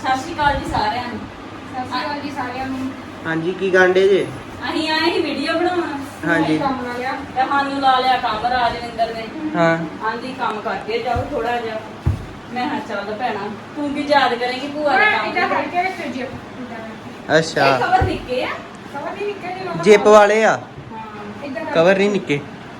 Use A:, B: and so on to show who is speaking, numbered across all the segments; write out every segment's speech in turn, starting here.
A: ਸਤਿ ਸ਼੍ਰੀ ਅਕਾਲ ਜੀ ਸਾਰਿਆਂ ਨੂੰ।
B: ਸਤਿ ਸ਼੍ਰੀ ਅਕਾਲ ਜੀ ਸਾਰਿਆਂ ਨੂੰ।
C: ਹਾਂਜੀ ਕੀ ਗਾਂਡੇ ਜੇ?
A: ਅਸੀਂ ਆਏ ਸੀ ਵੀਡੀਓ ਬਣਾਉਣ।
C: ਹਾਂਜੀ
B: ਕੰਮ ਲਾ ਲਿਆ
A: ਤੇ ਸਾਨੂੰ ਲਾ ਲਿਆ ਕੰਮ ਰਾਜਵਿੰਦਰ ਨੇ।
C: ਹਾਂ
A: ਆਂਦੀ ਕੰਮ ਕਰਕੇ ਜਾਓ ਥੋੜਾ ਜਿਹਾ। ਮੈਂ ਹਾਂ ਚੱਲ ਭੈਣਾ ਤੂੰ ਕੀ ਯਾਦ ਕਰੇਂਗੀ ਭੂਆ ਦਾ ਕੰਮ।
B: ਇੱਦਾਂ ਕਰਕੇ ਰੱਖਿਓ ਜੀ
A: ਇਹ
C: ਅੱਛਾ
A: ਖਬਰ ਨਿੱਕੇ ਆ।
B: ਸਵਾ ਦੀ ਨਿਕਲ ਨਹੀਂ ਲਾਉਂਦਾ
C: ਜਿਪ ਵਾਲੇ ਆ
A: ਹਾਂ
B: ਇੱਦਾਂ
C: ਕਵਰ ਨਹੀਂ ਨਿੱਕੇ।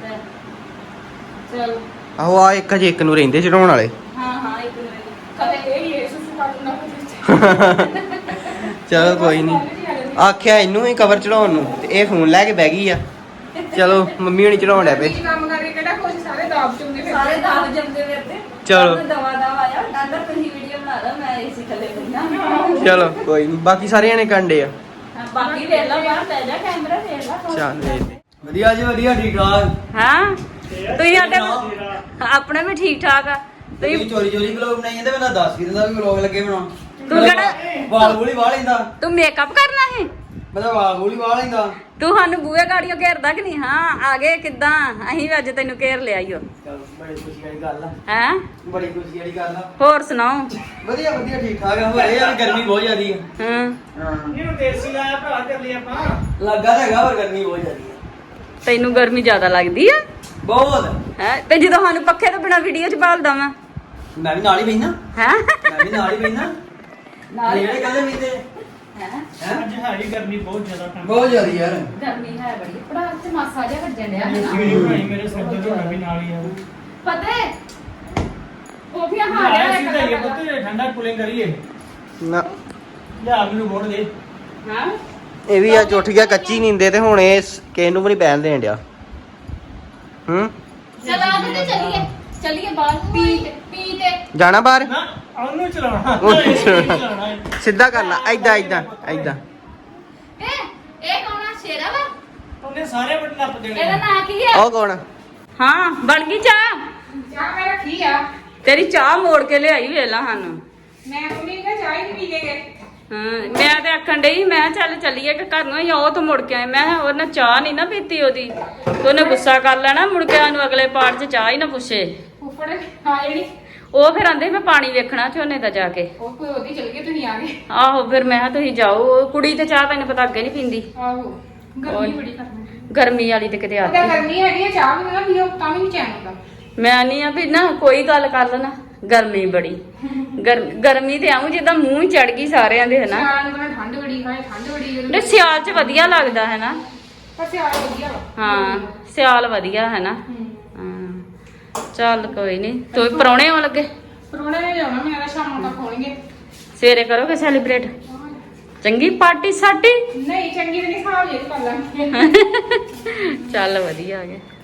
A: ਚਲ
C: ਆਹੋ ਆ ਇੱਕ ਹਜੇ ਇੱਕ ਨੂੰ ਰਹਿੰਦੇ ਚੜਾਉਣ ਵਾਲੇ।
A: ਹਾਂ ਹਾਂ ਇੱਕ ਮਿੰਟ
B: ਕਦੇ ਇਹ ਹੀ ਸੁਸੂ ਕਰ ਦਿੰਦਾ
C: ਚਲੋ ਕੋਈ ਨਹੀਂ ਆਖਿਆ ਇਹਨੂੰ ਹੀ ਕਵਰ ਚੜਾਉਣ ਨੂੰ ਤੇ ਇਹ ਫੋਨ ਲੈ ਕੇ ਬਹਿ ਗਈ ਆ। ਚਲੋ ਮੰਮੀ ਹੁਣੀ ਚੜਾਉਣ ਡਿਆ ਪਏ।
B: ਕੰਮ ਕਰਕੇ ਕਿਹੜਾ ਕੁਝ ਸਾਰੇ ਦਾਬ ਚੁੰਦੇ ਫਿਰ
A: ਸਾਰੇ ਦਾਵ ਜੰਮਦੇ ਫਿਰਦੇ।
C: ਚਲੋ।
A: ਦਵਾ ਦਵਾ ਆਇਆ ਡਾਂਡਾ ਤੁਸੀਂ ਵੀਡੀਓ ਬਣਾ ਲਓ ਮੈਂ ਇਸੇ ਥੱਲੇ ਬੈਠਾ।
C: ਚਲੋ ਕੋਈ ਨਹੀਂ ਬਾਕੀ ਸਾਰੇ ਜਣੇ ਕੰਡੇ ਆ।
A: ਬਾਕੀ ਵੇਖ ਲਾ ਬਾਹਰ ਲੈ ਜਾ ਕੈਮਰਾ ਵੇਖ ਲਾ।
C: ਚੱਲ ਵੇਖਦੇ।
D: ਵਧੀਆ ਜੀ ਵਧੀਆ ਠੀਕ ਠਾਕ।
A: ਹਾਂ ਤੁਸੀਂ ਸਾਡੇ ਆਪਣੇ ਵੀ ਠੀਕ ਠਾਕ ਆ।
D: ਤੁਸੀਂ ਚੋਰੀ ਵਲੌਗ ਬਣਾਈ ਜਾਂਦੇ ਮੈਂ ਦੱਸ ਵੀ ਦਿੰਦਾ ਵੀ ਵਲੌਗ ਲੱਗੇ ਬਣਾਉਣ।
A: ਤੂੰ ਕਿਹੜਾ
D: ਵਾਲ ਵੂਲੀ ਵਾਹ ਲੈਂਦਾ।
A: ਤੂੰ ਮੇਕਅਪ ਕਰਨਾ ਹੈ?
D: ਮੈਂ ਤਾਂ ਵਾਲ ਵੂਲੀ ਵਾਹ ਲੈਂਦਾ।
A: ਤੂੰ ਸਾਨੂੰ ਬੂਹੇ ਗਾੜੀਆਂ ਘੇਰਦਾ ਕਿ ਨਹੀਂ? ਹਾਂ ਆ ਗਏ ਕਿੱਦਾਂ? ਅਸੀਂ ਵੀ ਅੱਜ ਤੈਨੂੰ ਘੇਰ ਲਿਆ ਈਓ।
D: ਚਲ ਬੜੀ ਖੁਸ਼ੀ ਵਾਲੀ ਗੱਲ ਆ।
A: ਹੈ
D: ਬੜੀ ਖੁਸ਼ੀ ਵਾਲੀ ਗੱਲ ਆ।
A: ਹੋਰ ਸੁਣਾਓ।
D: ਵਧੀਆ ਵਧੀਆ ਠੀਕ ਠਾਕ ਆ। ਹੋਏ ਯਾਰ ਗਰਮੀ ਬਹੁਤ ਜ਼ਿਆਦੀ ਆ।
A: ਹਾਂ
D: ਹਾਂ
E: ਇਹਨੂੰ ਦੇਸੀ ਲਾਇਆ ਭਰਾ ਕਰ ਲਈ ਆਪਾਂ।
D: ਲੱਗਾ ਤਾਂ ਹੈਗਾ ਪਰ ਗਰਮੀ ਬਹੁਤ ਜ਼ਿਆਦੀ ਆ।
A: ਤੈਨੂੰ ਗਰਮੀ ਜ਼ਿਆਦਾ ਲੱਗਦੀ ਆ?
D: ਬਹੁਤ।
A: ਹੈ ਤੇ ਜਦੋਂ ਸਾਨੂੰ ਪੱਖੇ ਤੋਂ ਬਿਨਾ ਵੀਡੀਓ ਚ ਬਾਲਦਾ ਮੈਂ
D: ਮੈਂ ਵੀ ਨਾਲ ਹੀ ਬੈਠਾ।
A: ਹੈ
D: ਮੈਂ ਵੀ ਨਾਲ ਹੀ ਬੈਠਾ।
A: ਨਾਲ ਹੀ।
D: ਜਿਹੜੇ ਕਹਿੰਦੇ ਵੀ ਤੇ
A: ਹੈ
D: ਹੈ
E: ਅੱਜ ਹੈਗੀ ਗਰਮੀ ਬਹੁਤ ਜ਼ਿਆਦਾ ਠੰਡ।
D: ਬਹੁਤ ਜ਼ਿਆਦੀ ਯਾਰ।
A: ਗਰਮੀ ਹੈ ਬੜੀ ਪੜਾ ਤੇ ਮਾਸਾ ਜਿਹਾ ਵੱਜਣ ਡਿਆ ਹੈ ਨਾ।
E: ਵੀਡੀਓ ਬਣਾਈ ਮੇਰੇ ਸਿਰ ਤੇ ਝੋਨਾ ਵੀ ਨਾਲ ਹੀ ਆ।
A: ਪਤਾ ਹੈ ਉਹ ਵੀ
E: ਆਇਆ
A: ਹਾਰਿਆ
E: ਸੀ ਤਾਂ ਇਹ ਪੁੱਤ ਠੰਡਾ ਕੂਲਿੰਗ ਕਰੀਏ।
C: ਨਾ
E: ਲਿਆ ਮੈਨੂੰ ਵੋਟ ਦੇ।
A: ਹਾਂ
C: ਇਹ ਵੀ ਅੱਜ ਉੱਠ ਗਿਆ ਕੱਚੀ ਨੀਂਦੇ ਤੇ ਹੁਣ ਇਹ ਕਿਸੇ ਨੂੰ ਵੀ ਨਹੀਂ ਬੈਣ ਦੇਣ ਡਿਆ।
A: ਚਲ ਆ ਤੇ ਚੱਲੀਏ ਚੱਲੀਏ ਬਾਹਰ ਪੀ ਤੇ
C: ਜਾਣਾ ਬਾਹਰ?
E: ਨਾ ਉਹਨੂੰ ਚਲਾਉਣਾ।
C: ਉਹਨੂੰ ਚਲਾਉਣਾ।
E: ਚਲਾਉਣਾ ਹੈ।
C: ਸਿੱਧਾ ਕਰਨਾ ਐਦਾਂ ਐਦਾਂ ਐਦਾਂ।
A: ਇਹ ਕੌਣ ਆ? ਸ਼ੇਰਾ ਵਾ?
E: ਉਹਨੇ ਸਾਰੇ ਬਟਨ ਨੱਪ ਦੇਣੇ।
A: ਇਹਦਾ ਨਾਂ ਕੀ ਹੈ?
C: ਉਹ ਕੌਣ?
A: ਹਾਂ ਬਣ ਗਈ ਚਾਹ।
B: ਚਾਹ ਮੈਂ ਰੱਖੀ ਆ।
A: ਤੇਰੀ ਚਾਹ ਮੋੜ ਕੇ ਲਿਆਈ ਵੇਲਾ ਸਾਨੂੰ।
B: ਮੈਂ ਮੰਮੀ ਨੇ ਚਾਹ ਹੀ ਨਹੀਂ ਪੀ ਕੇ ਗਏ।
A: ਹਾਂ ਮੈਂ ਤੇ ਆਖਣ ਡਈ ਮੈਂ ਚੱਲ ਚੱਲੀਏ ਕਿ ਘਰ ਨੂੰ ਹੀ ਉਹ ਤੋਂ ਮੁੜ ਕੇ ਆਏ। ਮੈਂ ਕਿਹਾ ਉਹਨੇ ਚਾਹ ਨਹੀਂ ਨਾ ਪੀਤੀ ਉਹਦੀ ਤੇ ਉਹਨੇ ਗੁੱਸਾ ਕਰ ਲੈਣਾ ਮੁੜ ਕੇ ਸਾਨੂੰ ਅਗਲੇ ਪਾਰਟ 'ਚ ਚਾਹ ਹੀ ਨਾ ਪੁੱਛੇ।
B: ਫੁੱਫੜ ਆ ਜਿਹੜੀ
A: ਉਹ ਫਿਰ ਆਂਦੇ ਮੈਂ ਪਾਣੀ ਵੇਖਣਾ ਝੋਨੇ ਦਾ ਜਾ ਕੇ।
B: ਉਹ ਕੋਈ ਉਹਦੀ ਚਲ ਗਈ ਤੁਸੀਂ ਆ ਗਏ।
A: ਆਹੋ ਫਿਰ ਮੈਂ ਕਿਹਾ ਤੁਸੀਂ ਜਾਓ। ਉਹ ਕੁੜੀ ਤੇ ਚਾਹ ਤੈਨੂੰ ਪਤਾ ਅੱਗੇ ਨਹੀਂ ਪੀਂਦੀ।
B: ਆਹੋ ਗਰਮੀ ਬੜੀ ਕਰਦੀ।
A: ਗਰਮੀ ਵਾਲੀ ਤੇ ਕਿਤੇ
B: ਉਹਦਾ
A: ਆਤੀ।
B: ਗਰਮੀ ਹੈਗੀ ਆ ਚਾਹ ਵੀ ਨਾ ਪੀਓ ਤਾਂ ਵੀ ਨਹੀਂ ਚੈਨ ਆਉਂਦਾ।
A: ਮੈਂ ਨਹੀਂ ਆ ਵੀ ਨਾ ਕੋਈ ਗੱਲ ਕਰ ਲੈਣਾ ਗਰਮੀ ਬੜੀ ਗਰਮੀ ਤੇ ਆਉਂ ਜਿੱਦਾਂ ਮੂੰਹ ਚੜ ਗਈ ਸਾਰਿਆਂ ਦੇ ਹਨਾ।
B: ਸਿਆਲ ਨੂੰ ਕਹਿੰਦਾ ਠੰਡ ਬੜੀ ਹੈ ਠੰਡ ਬੜੀ ਹੈ।
A: ਤੇ ਸਿਆਲ 'ਚ ਵਧੀਆ ਲੱਗਦਾ ਹੈ ਨਾ।
B: ਪਰ ਸਿਆਲ ਵਧੀਆ ਵਾ।
A: ਹਾਂ ਸਿਆਲ ਵਧੀਆ ਹੈ ਨਾ। ਹਾਂ ਚੱਲ ਕੋਈ ਨਹੀਂ। ਤੂੰ ਪਰੌਣੇ ਆਉਣ ਲੱਗੇ?
B: ਪਰੋਣੇ ਨੇ ਜਾਣਾ ਮੇਰਾ ਸ਼ਾਮ ਤੱਕ ਹੋਣਗੇ।
A: ਸਵੇਰੇ ਕਰੋਗੇ ਸੈਲੀਬ੍ਰੇਟ? ਚੰਗੀ ਪਾਰਟੀ ਸਾਡੀ।
B: ਨਹੀਂ ਚੰਗੀ ਤੇ ਨਹੀਂ ਖਾ ਲਈ ਕਰ ਲਾਂਗੇ।
A: ਚੱਲ ਵਧੀਆ ਆ ਗਿਆ।